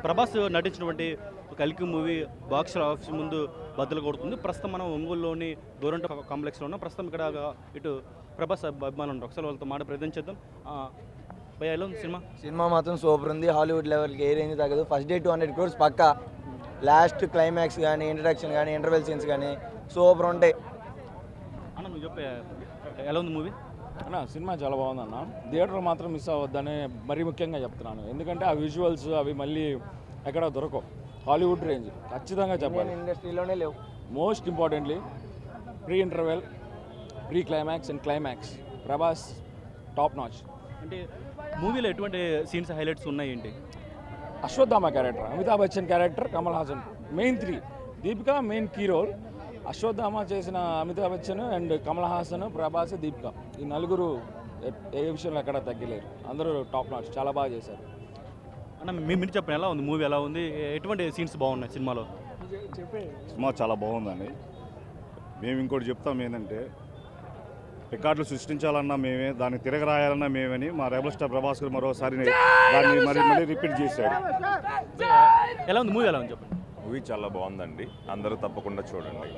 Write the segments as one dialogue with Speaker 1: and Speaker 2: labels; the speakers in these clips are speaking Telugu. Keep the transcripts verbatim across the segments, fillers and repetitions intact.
Speaker 1: ప్రభాస్ నటించినటువంటి కల్కి మూవీ బాక్స్ ఆఫీస్ ముందు బద్దలు కొడుతుంది. ప్రస్తుతం మనం ఒంగోలులోని గోరంట కాంప్లెక్స్లో ఉన్నాం. ప్రస్తుతం ఇక్కడ ఇటు ప్రభాస్ అభిమానులు ఉంటారు. ఒకసారి వాళ్ళతో మాట ప్రయత్నం చేద్దాం. భయ ఎలా ఉంది సినిమా?
Speaker 2: సినిమా మాత్రం సూపర్ ఉంది. హాలీవుడ్ లెవెల్కి ఏ రేంజ్ తగ్గదు. First day two hundred crores పక్కా. లాస్ట్ క్లైమాక్స్ కానీ ఇంట్రడక్షన్ కానీ ఇంటర్వెల్ సీన్స్ కానీ సూపర్ ఉంటాయి.
Speaker 1: అన్న నువ్వు చెప్పే ఎలా ఉంది మూవీ?
Speaker 3: అన్న సినిమా చాలా బాగుందన్న. థియేటర్ మాత్రం మిస్ అవ్వద్దని మరీ ముఖ్యంగా చెప్తున్నాను. ఎందుకంటే ఆ విజువల్స్ అవి మళ్ళీ ఎక్కడ దొరకవు. హాలీవుడ్ రేంజ్ ఖచ్చితంగా చెప్పాలి.
Speaker 2: ఇండస్ట్రీలోనే లేవు.
Speaker 3: Most importantly pre interval, pre climax and climax Prabhas top notch.
Speaker 1: అంటే మూవీలో ఎటువంటి సీన్స్ హైలైట్స్ ఉన్నాయి ఏంటి?
Speaker 3: Ashwatthama character, Amitabh Bachchan character, Kamal Haasan main three, Deepika main key role. Ashwatthama చేసిన అమితాబ్ బచ్చన్ అండ్ కమల్ హాసన్, ప్రభాస్, దీపిక ఈ నలుగురు ఏ విషయంలో ఎక్కడ తగ్గలేరు. అందరూ టాప్ నాచ్, చాలా బాగా చేశారు.
Speaker 1: అన్న మీ మీరు చెప్పండి ఎలా ఉంది మూవీ? ఎలా ఉంది? ఎటువంటి సీన్స్ బాగున్నాయి సినిమాలో?
Speaker 4: సినిమా చాలా బాగుందండి. మేము ఇంకోటి చెప్తాం ఏంటంటే రికార్డులు సృష్టించాలన్నా మేమే, దాన్ని తిరగరాయాలన్నా మేమని మా రెబల్ స్టార్ ప్రభాస్ గారు మరోసారి దాన్ని మరి మళ్ళీ రిపీట్ చేశాడు.
Speaker 1: ఎలా ఉంది మూవీ? ఎలా ఉంది చెప్పండి.
Speaker 5: మూవీ చాలా బాగుందండి, అందరూ తప్పకుండా చూడండి.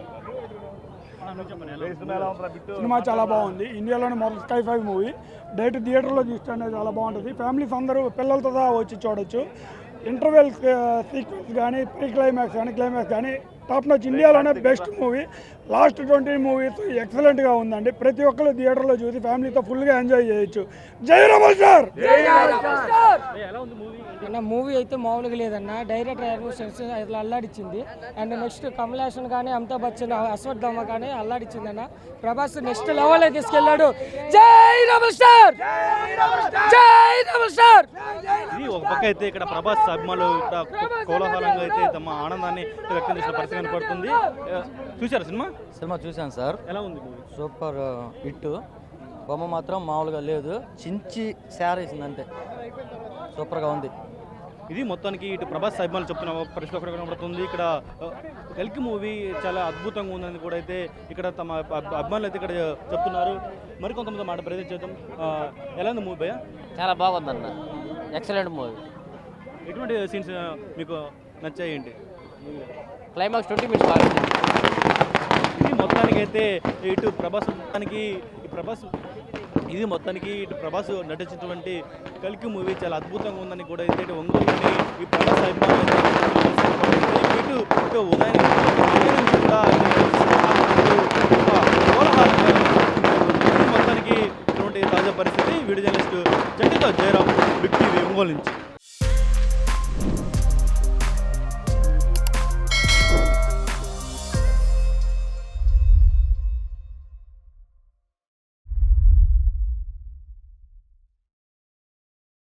Speaker 6: సినిమా చాలా బాగుంది. ఇండియాలోనే మొదటి స్కై ఫైవ్ మూవీ. డైరెక్ట్ థియేటర్లో చూస్తుంటే చాలా బాగుంటుంది. ఫ్యామిలీస్ అందరూ పిల్లలతో వచ్చి చూడొచ్చు. ఇంటర్వెల్ సీక్వెన్స్ కానీ, ప్రీ క్లైమాక్స్ కానీ, క్లైమాక్స్ కానీ టాప్ నాచ్. ఇండియాలోనే best movie. Last twenty movies ఎక్సలెంట్గా ఉందండి. ప్రతి ఒక్కరు థియేటర్లో చూసి ఫ్యామిలీతో ఫుల్గా ఎంజాయ్ చేయొచ్చు. జై రమల్ స్టార్.
Speaker 1: ఎలా ఉంది మూవీ?
Speaker 7: అన్న మూవీ అయితే మామూలుగా లేదన్న. డైరెక్టర్ ఇట్లా అల్లాడిచ్చింది. అండ్ నెక్స్ట్ కమల్ హాసన్ కానీ, అమితాబ్ బచ్చన్, అశ్వత్థామ కానీ అల్లాడిచ్చింది అన్న. ప్రభాస్ నెక్స్ట్ లెవెల్ తీసుకెళ్ళాడు. జై రమల్ స్టార్, జై రమల్ స్టార్.
Speaker 1: ఇది ఒక పక్క అయితే ఇక్కడ ప్రభాస్ అభిమానులు కోలాహలంగా అయితే తమ ఆనందాన్ని వ్యక్తం చేసిన పరిస్థితి కనపడుతుంది. చూసారా సినిమా?
Speaker 2: సినిమా చూశాను సార్.
Speaker 1: ఎలా ఉంది మూవీ?
Speaker 2: Super hit. బొమ్మ మాత్రం మామూలుగా లేదు. చించి శారీసింది అంతే. సూపర్గా ఉంది.
Speaker 1: ఇది మొత్తానికి ఇటు ప్రభాస్ అభిమానులు చెప్తున్న పరిస్థితి ఒకటి కనబడుతుంది. ఇక్కడ కల్కి మూవీ చాలా అద్భుతంగా ఉందని కూడా అయితే ఇక్కడ తమ అభిమానులు అయితే ఇక్కడ చెప్తున్నారు. మరికొంతమంది మాట ప్రయత్నం చేద్దాం. ఎలా ఉంది మూవీ భయ్య?
Speaker 8: చాలా బాగుందన్న, ఎక్సలెంట్ మూవీ.
Speaker 1: ఎటువంటి సీన్స్ మీకు నచ్చాయి ఏంటి?
Speaker 8: క్లైమాక్స్ ట్వంటీ మినిట్స్ బాగా.
Speaker 1: ఇది మొత్తానికి అయితే ఇటు ప్రభాస్ మొత్తానికి ఈ ప్రభాస్ ఇది మొత్తానికి ఇటు ప్రభాస్ నటించినటువంటి కల్కి మూవీ చాలా అద్భుతంగా ఉందని కూడా అయితే ఇటు ఒంగోలుని ఈ ప్రభాస్ అభిమానులు ఇటు ఇటు ఉదయం కూడా మొత్తానికి ఇటువంటి తాజా పరిస్థితి. వీడియో జర్నలిస్టు జంటితో జయరాం, బిగ్ టీవీ ఒంగోలు నుంచి.